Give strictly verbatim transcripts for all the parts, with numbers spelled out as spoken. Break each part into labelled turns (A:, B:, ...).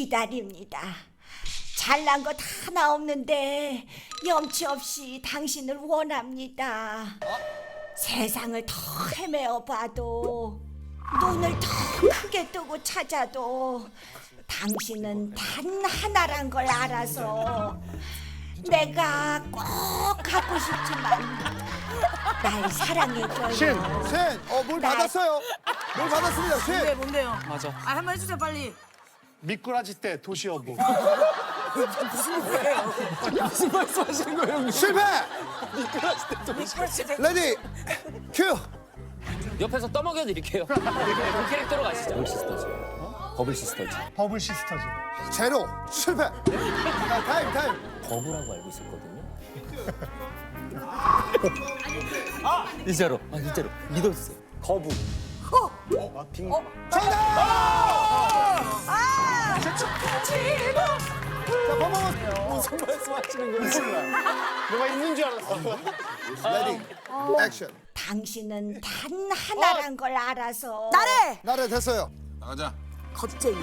A: 기다립니다. 잘난 것 하나 없는데 염치 없이 당신을 원합니다. 세상을 더 헤매어 봐도 눈을 더 크게 뜨고 찾아도 당신은 단 하나란 걸 알아서 내가 꼭 갖고 싶지만 날 사랑해줘요.
B: 신, 어, 뭘 받았어요? 뭘 받았습니다, 신.
C: 뭔데 뭔데요?
D: 맞아.
C: 아 한번 해주세요 빨리.
E: 미꾸라지 때 도시어부.
D: 무슨 말씀하시는 거예요, 형님?
B: 실패!
C: 그렇지.
B: 레디, 큐!
D: 옆에서 떠먹여드릴게요. 그 캐릭터로 가시죠. 버블 시스터즈. 버블 시스터즈.
E: 버블 시스터즈.
B: 제로, 실패! 자, 타임, 타임.
D: 버블라고 알고 있었거든요. 아! 진짜로. 아, 진짜로. 믿어주세요. 거부.
B: 정답!
C: 아!
B: 자, 퍼포먼스.
D: 무슨 말씀하시는 거예요?
E: 뭐가 있는 줄 알았어.
B: 레디, 액션.
A: 당신은 단 하나란 걸 알아서
C: 나래.
B: 나래 됐어요.
F: 나가자.
C: 겁쟁이.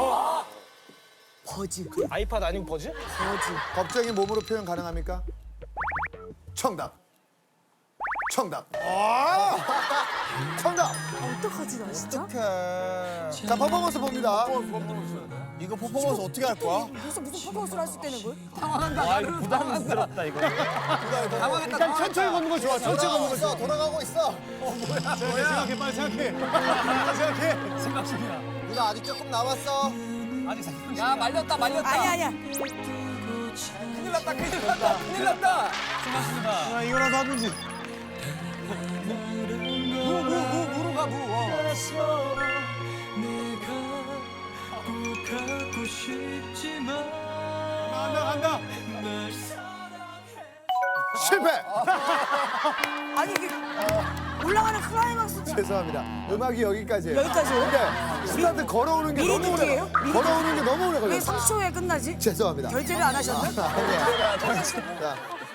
C: 버즈.
E: 아이팟 아니고 버즈?
C: 버즈.
B: 겁쟁이 몸으로 표현 가능합니까? 정답. 정답. 아! 정답.
C: 어떡하지 나 진짜?
B: 자, 퍼포먼스 봅니다.
F: 이거 퍼포먼스 어떻게 할 거야?
C: 무슨 무슨 퍼포먼스를 할 수 있다는 걸?
D: 아, 이거 부담스럽다, 이거.
E: 일단 천천히 걷는 거 좋아. 천천히 걷는 거 좋아.
B: 돌아가고 있어.
E: 생각해, 빨리 생각해. 빨리 생각해.
D: 생각 중이야.
B: 누나 아직 조금 남았어.
D: 아직 생각 야, 말렸다, 말렸다.
C: 아니 아니야.
D: 큰일 났다, 큰일 났다, 큰일 났다. 생각합니다.
E: 아, 이거라도 하든지.
D: 무, 무, 무, 무로 가, 무. 어.
E: 간다, 간다.
B: 실패.
C: 아니 이게 올라가는 클라이막스
B: 죄송합니다. 음악이 여기까지예요.
C: 여기까지요?
B: 근데 스타트 걸어오는 게
C: 미리
B: 너무 오래
C: 듣기예요?
B: 걸려.
C: 미리
B: 걸어오는 게 너무 오래
C: 왜
B: 걸려.
C: 삼 초에 끝나지?
B: 죄송합니다.
C: 결제를 안 하셨나?
B: 아니야. 자,